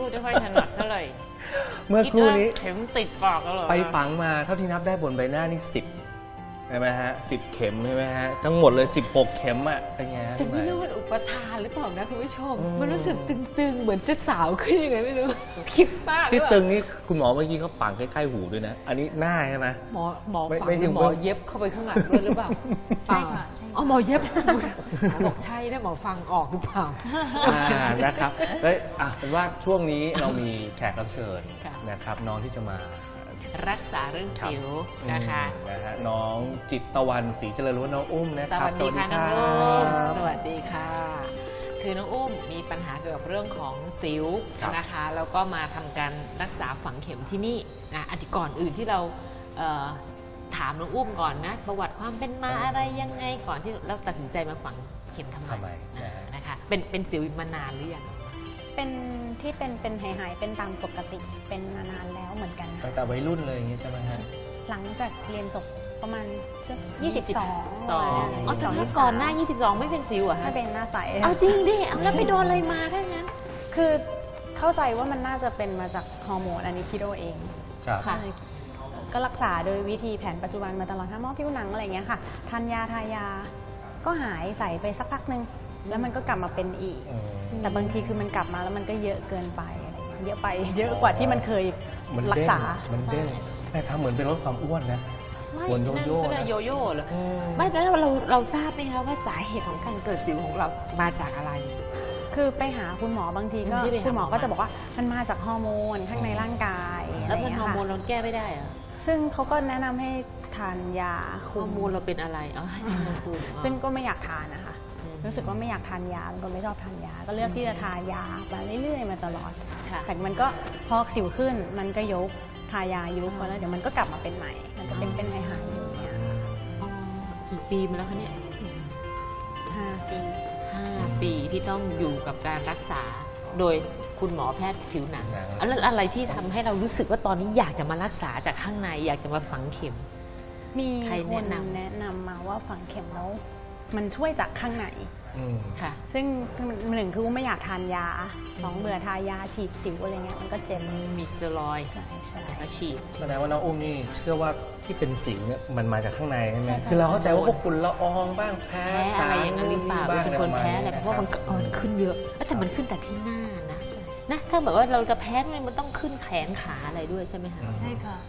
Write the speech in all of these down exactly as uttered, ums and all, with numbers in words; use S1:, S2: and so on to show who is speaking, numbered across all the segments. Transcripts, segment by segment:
S1: ไม่ค่อยถนัดเท่าไหร่
S2: เมื่อครู่นี้
S1: เข็มติดปากแล้วเหรอ
S2: ไปฝังมาเท่าที่นับได้บนใบหน้านี่สิบใช่ไหมฮะสิบเข็มใช่ไหมฮะทั้งหมดเลยสิบหกเข็มอ่ะเป็นไง
S1: แต่ไม่รู้มันอุปทานหรือเปล่านะคุณผู้ชมมันรู้สึกตึงๆเหมือนจะสาวขึ้นยังไงไม่รู้คิดมาก
S2: ที่ตึงนี่คุณหมอเมื่อกี้เขาฝังใกล้ๆหูด้วยนะอันนี้หน้าใช่ไหม
S1: หมอหมอฝังหมอเย็บเข้าไปข้างหลังด้วยหรือเปล่า
S3: ใช่ค่ะ
S1: อ๋อหมอเย็บบอกใช่นะหมอฟังออกหรือเปล่า
S2: นะครับแล้วอ่ะเป็นว่าช่วงนี้เรามีแขกรับเชิญนะครับน้องที่จะมา
S1: รักษาเรื่องสิวนะคะ
S2: นะฮะน้องจิตตะวันศรีเจริญหรือว่าน้องอุ้มนะครับ
S1: สวัสดีค่ะน้องอุ้มสวัสดีค่ะคือน้องอุ้มมีปัญหาเกี่ยวกับเรื่องของสิวนะคะแล้วก็มาทำการรักษาฝังเข็มที่นี่นะอดีตก่อนอื่นที่เราถามน้องอุ้มก่อนนะประวัติความเป็นมาอะไรยังไงก่อนที่เราตัดสินใจมาฝังเข็มทำไมนะคะเป็นเป็นสิวมานานหรือยัง
S3: เป็นที่เป็นเป็นหายๆเป็นตามปกติเป็นมานานแล้วเหมือนกัน
S2: ตั้งแต่วัยรุ่นเลยอย่างนี้ใช่ไหมฮะ
S3: หลังจากเรียนจบประมาณยี่สิบสอง
S1: อ๋อแต่ก่อนหน้ายี่สิบสองไม่เป็นสิวเหรอฮะ
S3: ไม่เป็นหน้าใส
S1: เอาจริงดิแล้วไปโดนอะไรมาถ้างั้น
S3: คือเข้าใจว่ามันน่าจะเป็นมาจากฮอร์โมนอันนี้คิดเอาเอง
S1: ค่ะ
S3: ก็รักษาโดยวิธีแผนปัจจุบันมาตลอดทั้งหมอผิวหนังอะไรเงี้ยค่ะทานยาทายาก็หายใส่ไปสักพักนึงแล้วมันก็กลับมาเป็นอีกแต่บางทีคือมันกลับมาแล้วมันก็เยอะเกินไปอะไรเงี้ยเยอะไปเยอะกว่าที่มันเคยรักษา
S2: มันเด้งแต่ทำเหมือนเป็นลดความอ้วนนะ
S1: วนโยโย่ก็เลยโยโย่เหรอไม่แต่เราเราเราทราบไหมคะว่าสาเหตุของการเกิดสิวของเรามาจากอะไร
S3: คือไปหาคุณหมอบางทีก็คุณหมอก็จะบอกว่ามันมาจากฮอร์โมนข้างในร่างกาย
S1: แล้วเป็นฮอร์โมนเราแก้ไม่ได้เหรอ
S3: ซึ่งเขาก็แนะนำให้ทานยา
S1: ฮอร์โมนเราเป็นอะไรอ๋อ
S3: ซึ่งก็ไม่อยากทานนะคะรู้สึกว่าไม่อยากทานยาเป็นคนไม่ชอบทานยาก็เลือกที่จะทายามาเรื่อยๆมาตลอดแต่มันก็พอสิวขึ้นมันก็ยุบทายายุบแล้วเดี๋ยวมันก็กลับมาเป็นใหม่มันจะเป็นเป็นหายหายอยู่เนี่ย
S1: กี่ปีมาแล้วคะเนี่ย
S3: ห้าปี
S1: ห้าปีที่ต้องอยู่กับการรักษาโดยคุณหมอแพทย์ผิวหนังแล้วอะไรที่ทำให้เรารู้สึกว่าตอนนี้อยากจะมารักษาจากข้างในอยากจะมาฝังเข็ม
S3: มีคนแนะนำมาว่าฝังเข็มแล้วมันช่วยจากข้างในค่ะซึ่งหนึ่งคือไม่อยากทานยาสองเบื่อทายาฉีดสิวอะไรเงี้ยมันก็เจ็บ
S1: มีสเตียรอยด์
S3: ใช่ใช่
S1: ก็ฉีด
S2: แสดงว่าน้องอุ้มนี่เชื่อว่าที่เป็นสิวเนี่ยมันมาจากข้างในใช่ไหมคือเราเข้าใจว่าพวกฝุ่นละอองบ้างแพ้
S1: อะไรอย่างนั้นหรือเปล่าเป็นคนแพ้อะไรเพราะมันขึ้นเยอะแต่มันขึ้นแต่ที่หน้านะนะถ้าแบบว่าเราจะแพ้มันต้องขึ้นแขนขาอะไรด้วยใช่ไหมคะ
S3: ใช่ค่ะ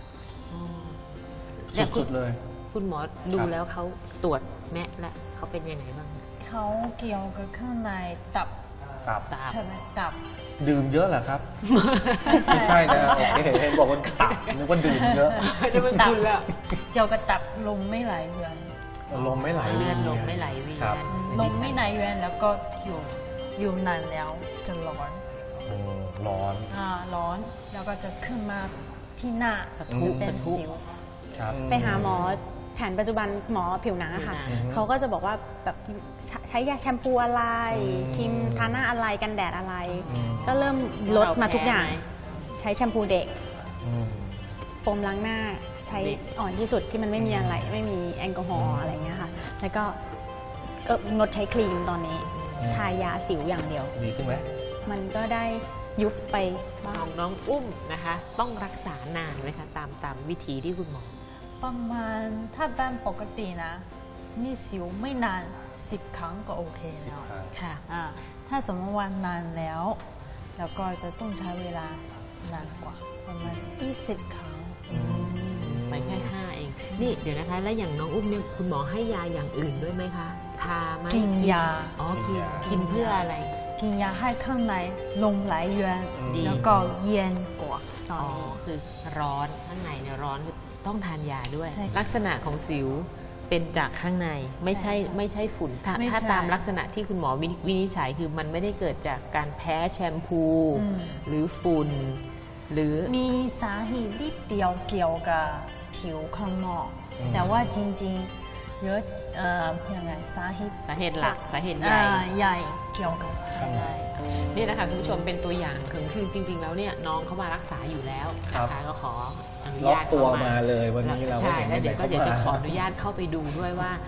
S2: สุดๆเลย
S1: คุณหมอดูแล้วเขาตรวจแม่และเขาเป็นยังไงบ้าง
S3: เขาเกี่ยวกับข้างในตับ
S2: ตับ
S3: ใช่ไหมตับ
S2: ดื่มเยอะเหรอครับไม่ใช่นะโอเคเห็นบอกว่าตับนึกว่าดื่มเยอะ
S3: ตับเกี่ยวกับตับลมไม่ไหลเวียน
S2: ลมไม่ไหลเวียน
S1: ลมไม่ไหลเวียน
S3: ลมไม่ไหลเวียนแล้วก็อยู่อยู่นานแล้วจะร้อน
S2: ร้อน
S3: อ่าร้อนแล้วก็จะขึ้นมาที่หน้าเป็นสิวไปหาหมอแผนปัจจุบันหมอผิวหนังอะค่ะเขาก็จะบอกว่าแบบใช้ยาแชมพูอะไรครีมทาหน้าอะไรกันแดดอะไรก็เริ่มลดมาทุกอย่างใช้แชมพูเด็กโฟมล้างหน้าใช้อ่อนที่สุดที่มันไม่มีอะไรไม่มีแอลกอฮอล์อะไรเงี้ยค่ะแล้วก็งดใช้ครีมตอนนี้ทายาสิวอย่างเดียว
S2: ดีขึ้นไหม
S3: มันก็ได้ยุบไป
S1: บ้างน้องอุ้มนะคะต้องรักษานานไหมคะตามตามวิธีที่คุณหมอ
S3: ประมาณถ้าบ้านปกตินะมีสิวไม่นานสิบครั้งก็โอเคแล้วค่ะถ้าสมมติว่านานแล้วแล้วก็จะต้องใช้เวลานานกว่าประมาณยี่สิบครั้ง
S1: ไปแค่ห้าเองนี่เดี๋ยวนะคะแล้วอย่างน้องอุ้มเนี่ยคุณหมอให้ยาอย่างอื่นด้วยไหมคะทาไหม
S3: กินยา
S1: อ๋อกินกินเพื่ออะไร
S3: กินยาให้ข้างในลมไหลเวียนแล้วก็เย็นกว่า
S1: อ๋อคือร้อนข้างในเนี่ยร้อนคือต้องทานยาด้วยลักษณะของสิวเป็นจากข้างในไม่ใช่ไม่ใช่ฝุ่นถ้าถ้าตามลักษณะที่คุณหมอวินิจฉัยคือมันไม่ได้เกิดจากการแพ้แชมพูหรือฝุ่นหรือ
S3: มีสาเหตุที่เดียวเกี่ยวกับผิวข้างนอกแต่ว่าจริงๆเยอะเอ่อยังไงสาเหตุ
S1: สาเหตุหลักสาเหตุใหญ่
S3: ใหญ่เกี่ยวกับข้างใน
S1: นี่นะคะคุณผู้ชมเป็นตัวอย่างคือจริงๆแล้วเนี่ยน้องเขามารักษาอยู่แล้วนะคะก็ขออนุญาต
S2: ตัวมาเลยวันนี้เรา
S1: ใช่แล้วเดี๋ยวก็เดี๋ยวจะขออนุญาตเข้าไปดูด้วยว่า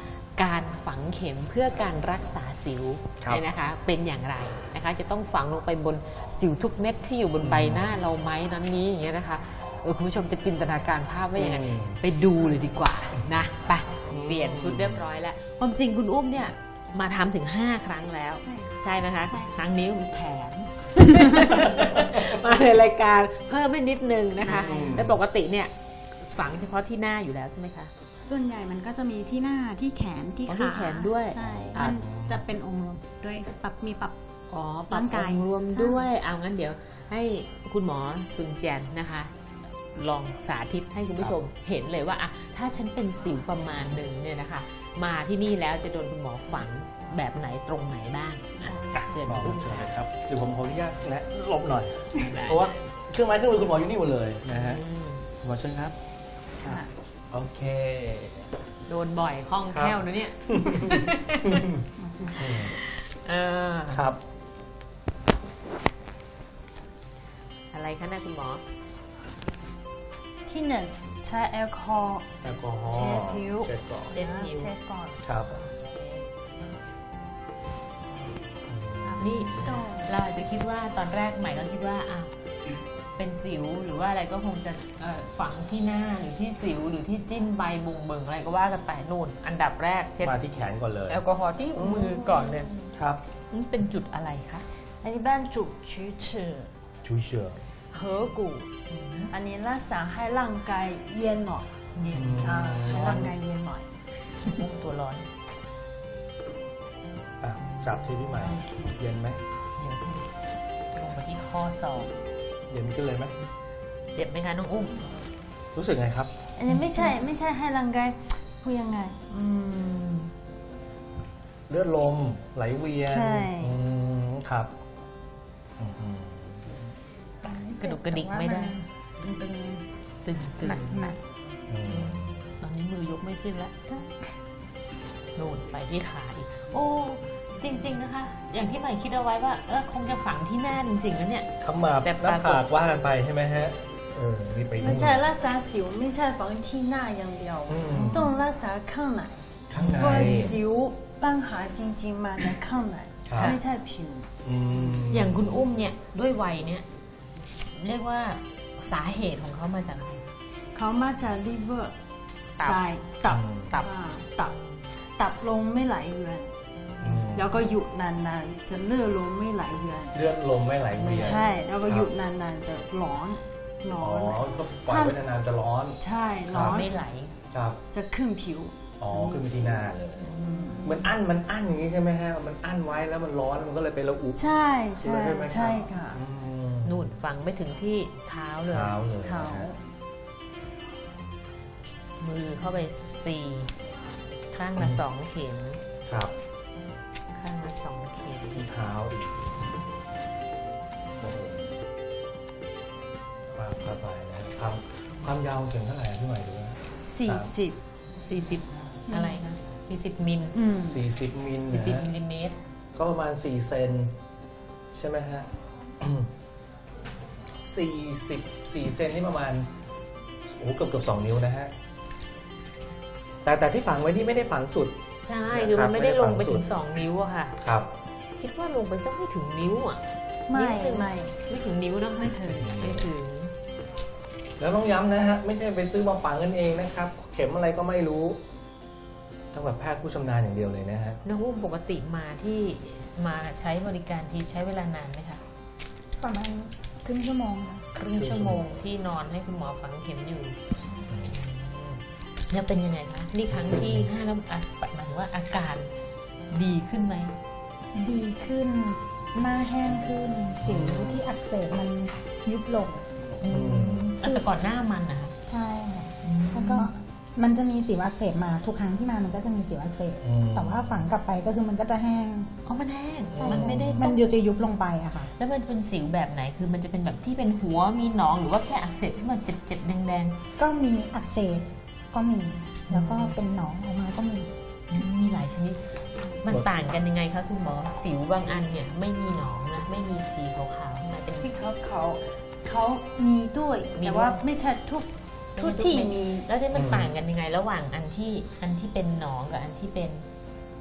S1: การฝังเข็มเพื่อการรักษาสิวเนี่ยนะคะเป็นอย่างไรนะคะจะต้องฝังลงไปบนสิวทุกเม็ดที่อยู่บนใบหน้าเราไหมนั้นนี้อย่างเงี้ยนะคะเออคุณผู้ชมจะจินตนาการภาพว่าอย่างไรไปดูเลยดีกว่านะไปเปลี่ยนชุดเรียบร้อยแล้วความจริงคุณอุ้มเนี่ยมาทำถึงห้าครั้งแล้วใช่ไหมคะครั้งนี้แถม มาในรายการเพิ่มไปนิดนึงนะคะแต่ปกติเนี่ยฝังเฉพาะที่หน้าอยู่แล้วใช่ไหมคะ
S3: ส่วนใหญ่มันก็จะมีที่หน้าที่แขนที่ขา
S1: ที่แขนด้วย
S3: ใช่มันจะเป็นองค์รวมด้วยปรับมีปรับ
S1: อ๋อปรับองค์รวมด้วยเอางั้นเดี๋ยวให้คุณหมอซุนเจียนนะคะลองสาธิตให้คุณผู้ชมเห็นเลยว่าอะถ้าฉันเป็นสิวประมาณหนึ่งเนี่ยนะคะมาที่นี่แล้วจะโดนคุณหมอฝังแบบไหนตรงไหนบ้างเชิญอุ้มเชิญเลยครับ
S2: เดี๋ยวผมขออนุญาตแนะหลบหน่อยเพราะว่าเครื่องไม้เครื่องมือคุณหมออยู่นี่หมดเลยนะฮะหมอเชิญครับโอเค
S1: โดนบ่อยคล่องแคล่วนะเนี่ย
S2: ครับ
S1: อะไรคะนะคุณหมอ
S3: ที่หนึ่งใช้แอลกอฮอล์
S2: แอลกอฮอล์
S3: เช็ดผิว
S2: เช็ดก่อน
S1: เช็ดผิว
S3: เช็ดก่อน
S2: ครับ
S1: นี่เราอาจจะคิดว่าตอนแรกใหม่ก็คิดว่าอ่ะเป็นสิวหรือว่าอะไรก็คงจะฝังที่หน้าหรือที่สิวหรือที่จิ้นใบบุงเบิงอะไรก็ว่ากันไปนู่นอันดับแรกเช็ด
S2: มาที่แขนก่อนเลย
S1: แอลกอฮอล์ที่มือก่อนเลย
S2: ครับ
S1: นี่เป็นจุดอะไรคะ
S3: อันนี้เป็นจุดชูชือ
S2: ชูเชือ
S3: หัวกูอันนี้รักษาให้ร่างกายเย็นหน่อย
S1: เย็น
S3: ให้ร่างกายเย็นหน่อย
S1: ตัวร้อน
S2: จับที่พี่ใหม่เย็นไหม
S1: เย็นลงมาที่ข้อศอก
S2: เย็นขึ้นเลยไหม
S1: เจ็บไหมคะน้องอุ้ม
S2: รู้สึกไงครับ
S3: อันนี้ไม่ใช่ไม่ใช่ให้ร่างกายพูดยังไง
S2: เลือดลมไหลเวียน
S3: ใช่
S2: ครับ
S1: กระดุกกระดิกไม่ได้
S3: ตึง
S1: ตึงตึง
S3: หนัก
S1: ตอนนี้มือยกไม่ขึ้นแล้วโน่นไปที่ขาอีกโอ้จริงๆนะคะอย่างที่ใหม่คิดเอาไว้ว่าเออคงจะฝังที่หน้าจริงๆแล้วเนี่ย
S2: ขมับหน้าผากว่ากันไปใช่ไหมฮะเออนี่ไป
S3: ไม่ใช่รักษาสิวไม่ใช่ฝังที่หน้าอย่างเดียวต้องรักษาข้างใน
S2: ข้างใน
S3: เพราะสิวปัญหาจริงๆมาจากข้างในไม่ใช่ผิว
S1: อย่างคุณอุ้มเนี่ยด้วยวัยเนี่ยเรียกว่าสาเหตุของเขามาจากอะไร
S3: เขามาจาก liver ตับตับตับตับตับลงไม่ไหลเวียนแล้วก็หยุดนานๆจะเลือดลมไม่ไหลเวียน
S2: เลือดลมไม่ไหลเวียน
S3: ใช่แล้วก็หยุดนานๆจะร้อน
S2: ร้อนอ๋อก็ปล่อยไว้นานๆจะร้อน
S3: ใช่ร้อน
S1: ไม่ไหล
S2: ครับ
S3: จะขึ้นผิว
S2: อ๋อขึ้นไปที่หน้าเลยมันอั้นมันอั้นอย่างนี้ใช่ไหมฮะมันอั้นไว้แล้วมันร้อนมันก็เลยไประอุ
S3: ใช่ใช่ใช่ค่ะ
S1: นู่นฝังไปถึงที่เท้าเลย
S2: เท้าเลย
S3: เท้า
S1: มือเข้าไปสี่ข้างละสองเข็ม
S2: ครับ
S1: ข้างละสองเข็ม
S2: ที่เท้าอีกโอ้โหปากกระบายนะความความยาวถึงเท่าไหร่พี่ใหม่ดูนะ
S3: สี่สิบ
S1: สี่สิบอะไรนะสี่สิบมิล
S2: สี่สิบมิล
S1: สี่สิบมิลลิเมตร
S2: ก็ประมาณสี่เซนใช่ไหมฮะสี่สิบสี่เซนนี่ประมาณโอ้เกือบเกือบสองนิ้วนะฮะแต่แต่ที่ฝังไว้นี่ไม่ได้ฝังสุด
S1: ใช่คือมันไม่ได้ลงไปถึงสองนิ้วอะค่ะ
S2: ครับ
S1: คิดว่าลงไปสักไม่ถึงนิ้วอะ
S3: ไม่ไม่
S1: ไม่ถึงนิ้วนะ
S3: ไม่ถึง
S1: ไม่ถึง
S2: แล้วต้องย้ำนะฮะไม่ใช่ไปซื้อมาฝังกันเองนะครับเข็มอะไรก็ไม่รู้ต้องแบบแพทย์ผู้ชำนาญอย่างเดียวเลยนะฮะ
S1: น้องอุ้มปกติมาที่มาใช้บริการที่ใช้เวลานานไหมคะ
S3: ประมาณครึ่งชั่วโมง
S1: ครึ่งชั่วโมงที่นอนให้คุณหมอฝังเข็มอยู่เนี่ยเป็นยังไงคะนี่ครั้งที่ห้าแล้วหมายถึงว่าอาการดีขึ้นไหม
S3: ดีขึ้นหน้าแห้งขึ้นสิวที่อักเสบมันยุบลง
S1: แต่ก่อนหน้ามันนะคะ
S3: ใช่แล้วก็มันจะมีสิวอักเสบมาทุกครั้งที่มามันก็จะมีสิวอักเสบแต่ว่าฝังกลับไปก็คือมันก็จะแห้ง
S1: อ๋อมันแห้งมันไม่ได้
S3: มันจะยุบลงไปอะค่ะ
S1: แล้วมันเป็นสิวแบบไหนคือมันจะเป็นแบบที่เป็นหัวมีหนองหรือว่าแค่อักเสบที่มันเจ็บๆแดง
S3: ๆก็มีอักเสบก็มีแล้วก็เป็นหนองออกมาก็มี
S1: มีหลายชนิดมันต่างกันยังไงคะคุณหมอสิวบางอันเนี่ยไม่มีหนองนะไม่มีสีขาวๆมาเป็น
S3: ที่เขาเขาเขามีด้วยแต่ว่าไม่ใช่ทุกทุกที่มี
S1: แล้วที่มันต่างกันยังไงระหว่างอันที่อันที่เป็นหนองกับอันที่เป็น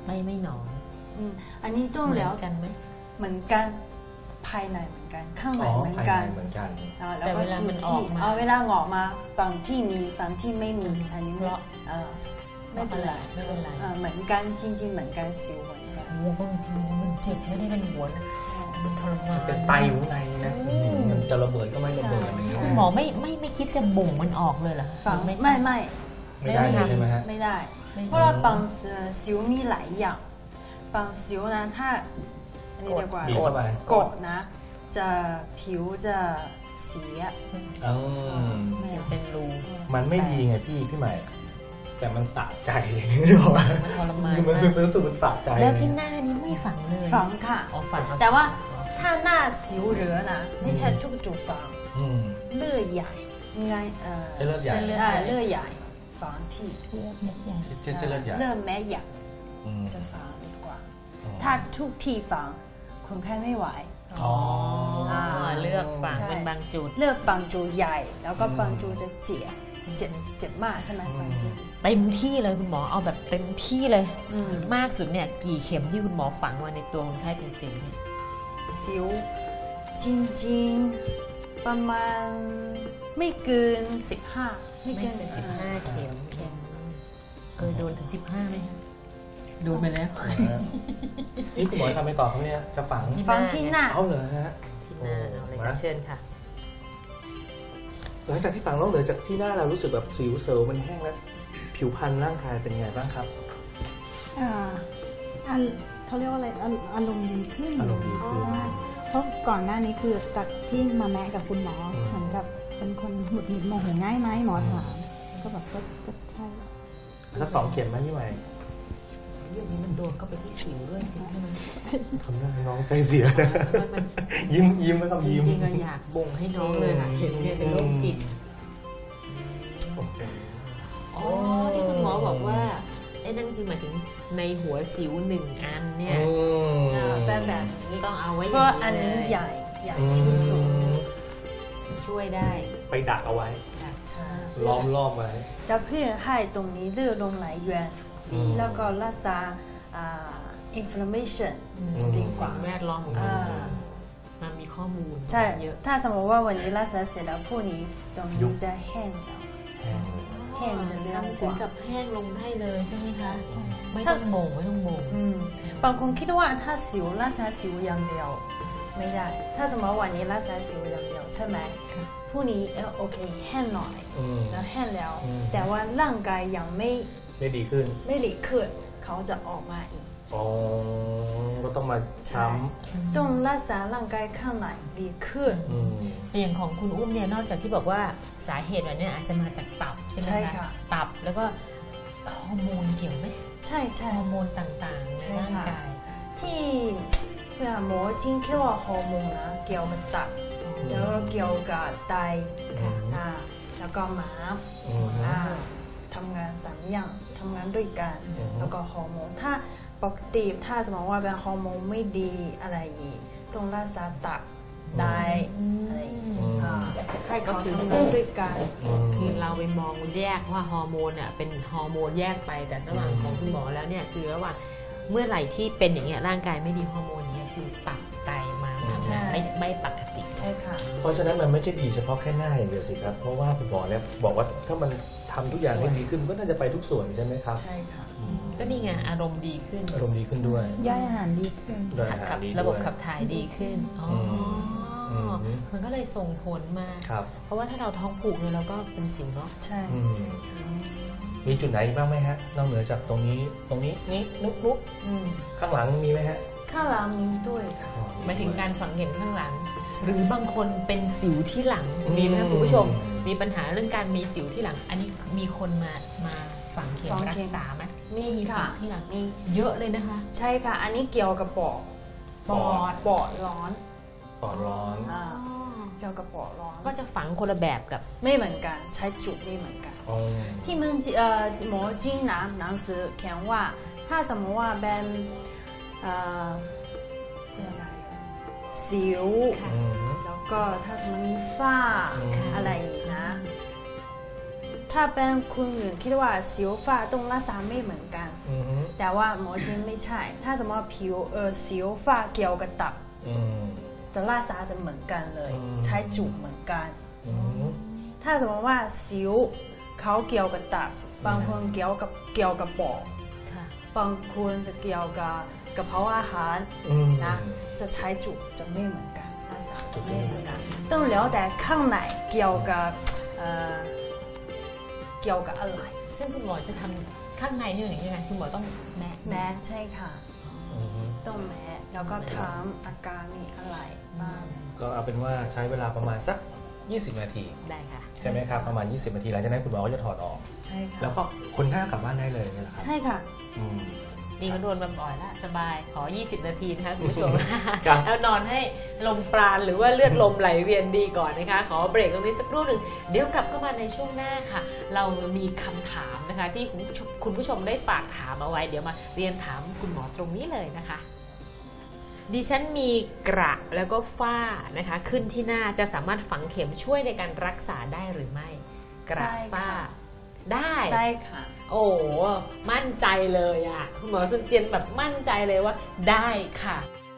S1: ไม่ไม่หนอง
S3: อืมอันนี้ต้อง
S1: เหมื
S3: แล้
S1: อ
S3: วน
S1: กันไหม
S3: เหมือนกันภายในเหมือนกันข้างใน
S2: อ๋อ
S3: เหมือน
S2: ภาย
S3: กั
S2: ใน
S3: น
S2: เหมือนกัน
S3: อ่าแล้ว
S1: แต่
S3: ก็
S1: เวลามันออกมา
S3: เอาเวลาออกมาบางที่มีบางที่ไม่มีอันนี้
S1: เพราะ
S3: เออไม่เป็นไร
S1: ไม่เป็นไร
S3: อ่าเหมือนกันจริง ๆ เหมือนกันสิวเหมือนกัน
S1: โอ้บางทีนี่มันเจ็บไม่ได้เป็นหัวนะมันทรมาน
S2: เป็นไตอยู่ข้างในนะมันจะระเบิดก็ไม่ระเบิดอะไรอย่างเงี้ย
S1: คุณหมอไม่ไม่ไม่คิดจะบ่งมันออกเลยเหรอ
S3: ฝัง
S1: ไม่
S3: ไม่ไม่
S2: ไม่ได้เลยใช่ไหมฮะ
S3: ไม่ได้
S1: ไม่
S3: เพราะว่าบางเอ่อสิวมีหลายอย่างบางสิวนะถ้าอันนี้ดีกว่า
S2: บีบเข้าไป
S3: กดนะ จะผิวจะเสีย
S2: อืม
S3: ไม่
S1: ยังเป็นรู
S2: มันไม่ดีไงพี่พี่ใหม่ แต่มันสะใจบอกว่า
S1: มันทรมาน
S2: คือมันเป็นรู้สึกมันสะใจ
S1: แล้วที่หน้านี้ไม่ฝังเลย
S3: ฝังค่ะ
S1: อ๋อฝังเอ
S3: แต่ว่าถ้าหน้าสิวเหลือนะไม่ใช่ทุกจุดฝัง
S2: อืม
S3: เลือดใหญ่ไงเอ่อ
S2: เส้นเลือดใหญ่
S3: อ่าเลือดใหญ่ฝังที่
S1: เลือดเม็ดใหญ่
S2: เส้นเส้นเลือดใหญ่
S3: เลือดแม่ใหญ่
S2: อืม
S3: จะฝังดีกว่า
S2: อ๋อ
S3: ถ้าทุกที่ฝังคนไข้ไม่ไหว
S2: อ๋อ
S1: อ๋อเลือกฝัง
S3: ใช่
S1: เป็นบางจุด
S3: เลือกบางจุดใหญ่ แล้วก็บางจุดจะเจ็บเจ็บเจ็บมากใช่ไหมบางจุด
S1: เต็มที่เลยคุณหมอเอาแบบเต็มที่เลย
S3: อืม
S1: มากสุดเนี่ยกี่เข็มที่คุณหมอฝังมาในตัวคนไข้เป็นสิวเนี่ย
S3: สิวจริงๆประมาณไม่เกินสิบห้าไม่เกิน
S1: ไม่
S3: สิ
S1: เกิ
S3: บ
S1: น
S3: ห้า
S1: สิบห้าเข็มเคยโดนถึงสิบห้าไหมคะโดนไปแล้ว
S2: นี่คุณหมอทำไปต่อเขาเนี่ยจะฝัง
S3: ฟังที่หน้า
S2: เอาเหรอฮะ
S1: ที่หน้าเอาเลย
S2: มา
S1: ค่ะเชิญค่ะ
S2: หลังจากที่ฝังนอกเหนือจากที่หน้าเรารู้สึกแบบสิวเซลล์มันแห้งแล้ว ผิวพรรณร่างกายเป็นไงบ้างครับ
S4: อ่าอันเขาเรียกว่าอะไรอารอารมณ์ดีขึ้น
S2: อารมณ์ดีขึ้น
S4: อ่าเพราะก่อนหน้านี้คือจากที่มาแมะกับคุณหมอ
S2: อืม
S4: เหมือนกับเป็นคนหงุดหงิดโมโหง่ายไหมหมอถามก็แบบก็ก็ใช่
S2: สักสองเข็มไหมพี่ใหม่
S1: เรื่องนี้มันโดนก็ไปที่สิวด้วยจริงใช่ไหม
S2: ทำหน้าน้องใจเสีย
S1: มัน
S2: ยิ้มยิ้มแล้วก็
S1: จ
S2: ยิ้ม
S1: ริงๆเราอยากบ่งให้น้องเลยค่ะเห็นเนี่ยเป็นโรคจิต
S2: โอเค
S1: อ๋อที่คุณหมอบอกว่าไอ้นั่นคือหมายถึงในหัวสิวหนึ่งอันเนี่ย
S2: อืม
S3: อ่าแบบแบบนี้
S1: ต้องเอาไว้อ
S3: เพ
S1: ย่าง
S3: ราะอัน
S1: นี้
S3: นี้
S1: เลย
S3: ใหญ่ใหญ่
S2: อื
S3: ที่สุด
S2: ม
S1: ช่วยได้
S2: ไปดักเอาไว้
S3: ใช่
S2: ล้อมรอบไว้
S3: จะเพื่อให้ตรงนี้เลือดลงไหลเวียน
S2: อืม
S3: แล้วก็รักษาอ่า inflammation
S1: อืม
S3: จะดีกว่า
S1: สิ่งแวดล้อมของ
S3: อ่า
S1: เรามันมีข้อมูล
S3: ใช่
S1: เยอะ
S3: ถ้าสมมติว่าวันนี้รักษาเสร็จแล้วพรุ่งนี้ตรง
S2: ยุ
S3: นี้
S2: บ
S3: จะแห้งแล้ว
S2: แห้ง
S3: แห้งจะเร็ว
S1: ทำ
S3: ก
S1: ถึง
S3: ว่า
S1: กับแห้งลงได้เลยใช่ไหมคะ ไม่ต้องโมงไม่ต้องโมง
S3: อืมบางคนคิดว่าถ้าสิวรักษาสิวอย่างเดียวไม่ได้ ถ้าสมมติวันนี้รักษาสิวอย่างเดียวใช่ไหมพรุ่งนี้เออโอเคแห้งหน่อย
S2: อืม
S3: แล้วแห้งแล้ว
S2: อืม
S3: แต่ว่าร่างกายยังไม่
S2: ไม่ดีขึ้น
S3: ไม่หลีกขึ้นเขาจะออกมาอีก
S2: อ๋อ ก็ต้องมาช้
S3: ต้องรักษาร่างกายข้างในดีขึ้น
S2: ำอืม
S1: แต่อย่างของคุณอุ้มเนี่ยนอกจากที่บอกว่าสาเหตุแบบเนี้ยอาจจะมาจากตับใช่ไหม
S3: ใช่
S1: คะ
S3: ค่ะ
S1: ตับแล้วก็ฮอร์โมนเกี่ยวไหม
S3: ใช่ใช่
S1: ฮอร์โมนต่างๆใน
S3: ใช่
S1: ร่าง
S3: ค่ะ
S1: กาย
S3: ที่เวลาหมอจริงแค่ว่าฮอร์โมนนะเกี่ยวกับตับแล้วก็เกี่ยวกับไต
S2: อืม
S3: อ่าแล้วก็ม้าม
S2: อืม
S3: อ่าทำงานสามอย่างทำงานด้วยกัน
S2: อืม
S3: แล้วก็ฮอร์โมนถ้าปกติถ้าสมมติว่าเป็นฮอร์โมนไม่ดีอะไรอีกต้องรักษาตับได้อะไรอีก
S2: อืม
S3: อ่าให้เขาทำงานด้วยกัน
S2: ม
S1: คือเราไปมองแยกว่าฮอร์โมนอ่ะเป็นฮอร์โมนแยกไปแต่ระหว่าง
S2: อืม
S1: ของคุณหมอแล้วเนี่ยคือระหว่างเมื่อไหร่ที่เป็นอย่างเงี้ยร่างกายไม่ดีฮอร์โมนนี้คือตับไตมาทำงานไม่ไม่ปกติ
S3: ใช่ค่ะ
S2: เพราะฉะนั้นมันไม่ใช่ดีเฉพาะแค่หน้าอย่างเดียวสิครับ เพราะว่าคุณหมอเนี่ยบอกว่าถ้ามันทำทุกอย่างให้ดีขึ้นก็น่าจะไปทุกส่วนใช่ไหมครับ
S3: ใช่ค่ะ
S2: อืม
S1: ก็นี่ไงอารมณ์ดีขึ้น
S2: อารมณ์ดีขึ้นด้วย
S4: ย่อยอาหารดีขึ้น
S2: ด้วยอาหาร
S1: ขับ
S2: ดี
S1: ระบบ
S2: ด้วย
S1: ขับถ่ายดีขึ้นอ๋ออ
S2: ม
S1: มันก็เลยส่งผลมา
S2: ครับ
S1: เพราะว่าถ้าเราท้องผูกเนี่ยเราก็เป็นสิวเนาะ
S3: ใช่
S2: อืม มีจุดไหนบ้างไหมฮะ นอกเหนือจากตรงนี้ ตรงนี้ นี่นุ๊กนุ๊ก
S3: อืม
S2: ข้างหลังมีไหมฮะ
S3: ข้างหลังมีด้วยค่ะ
S1: หมายถึงการฝังเข็มข้างหลัง หรือบางคนเป็นสิวที่หลัง
S2: อืม
S1: มีไหมคะคุณผู้ชม มีปัญหาเรื่องการมีสิวที่หลัง อันนี้มีคนมามาฝังเข็ม
S3: ฝัง
S1: รั
S3: เข็
S1: ก
S3: ม
S1: ษาไหม
S3: มี
S1: มีสิ
S3: ค่ะ
S1: วที่หลัง
S3: มี
S1: เยอะเลยนะคะ
S3: ใช่ค่ะ อันนี้เกี่ยวกับปอด
S2: ปอด
S3: ปอดร้อน
S2: ปอดร้อน
S3: อ่าเกี่ยวกับปอดร้อน
S1: ก็จะฝังคนละแบบกับ
S3: ไม่เหมือนกันใช้จุดไม่เหมือนกัน
S2: อ๋อ
S3: ที่มันเอ่อหมอจีนนะหนังสือเขียนว่าถ้าสมมติว่าเป็นเอ่อเรียกอะไรสิว
S2: อืม
S3: แล้วก็ถ้าสมมติมีฝ้า
S2: อืม
S3: อะไรอีกนะ ถ้าเป็นคุณอื่นคิดว่าสิวฝ้าต้องรักษาไม่เหมือนกัน
S2: อืม
S3: แต่ว่าหมอจีนไม่ใช่ ถ้าสมมติว่าผิวเออสิวฝ้าเกี่ยวกับตับ
S2: อืม
S3: จะรักษาจะเหมือนกันเลย
S2: อืม
S3: ใช้จุกเหมือนกัน
S2: อืม
S3: ถ้าสมมติว่าสิวเขาเกี่ยวกับตับบางคนเกี่ยวกับเกี่ยวกับปอด
S1: ค่ะ
S3: บางคนจะเกี่ยวกับกระเพาะอาหาร
S2: อืม
S3: นะจะใช้จุกจะไม่เหมือนกันรักษาจะไม่เหมือนกันต้องแล้วแต่ข้างในเกี่ยวกับเอ่อเกี่ยวกับอะไร
S1: ซึ่งคุณหมอจะทำข้างในนี่อย่างยังไงคุณหมอต้องแนะ
S3: แมสใช่ค่ะ
S2: อืม
S3: ต้องแมสแล้วก็ถามอาการมีอะไรบ้าง
S2: ก็เอาเป็นว่าใช้เวลาประมาณสัก ยี่สิบ นาที
S1: ได้ค่ะ
S2: ใช่ไหมครับประมาณ ยี่สิบ นาทีหลังจากนั้นคุณหมอก็จะถอดออก
S3: ใช่ค่ะ
S2: แล้วก็คนไข้ก็กลับบ้านได้เลยนี่แหละครับ
S3: ใช่ค่ะ
S2: อืม
S1: นี่ก็โดนบ่อยๆแล้วสบายขอ ยี่สิบ นาทีนะคะคุณผู้ชม
S2: ครับ
S1: แล้วนอนให้ลมปราณหรือว่าเลือดลมไหลเวียนดีก่อนนะคะ ขอเบรกตรงนี้สักครู่หนึ่งเดี๋ยวกลับเข้ามาในช่วงหน้าค่ะ เรามีคำถามนะคะ ที่คุณผู้ชมคุณผู้ชมได้ฝากถามเอาไว้ เดี๋ยวมาเรียนถามคุณหมอตรงนี้เลยนะคะ ดิฉันมีกระแล้วก็ฝ้านะคะ ขึ้นที่หน้าจะสามารถฝังเข็มช่วยในการรักษาได้หรือไม่ กระ
S3: ได้ค่ะ
S1: ฝ้าได้
S3: ได้ค่ะ
S1: โอ้มั่นใจเลยอ่ะคุณหมอซุนเจียนแบบมั่นใจเลยว่าได้ค่ะ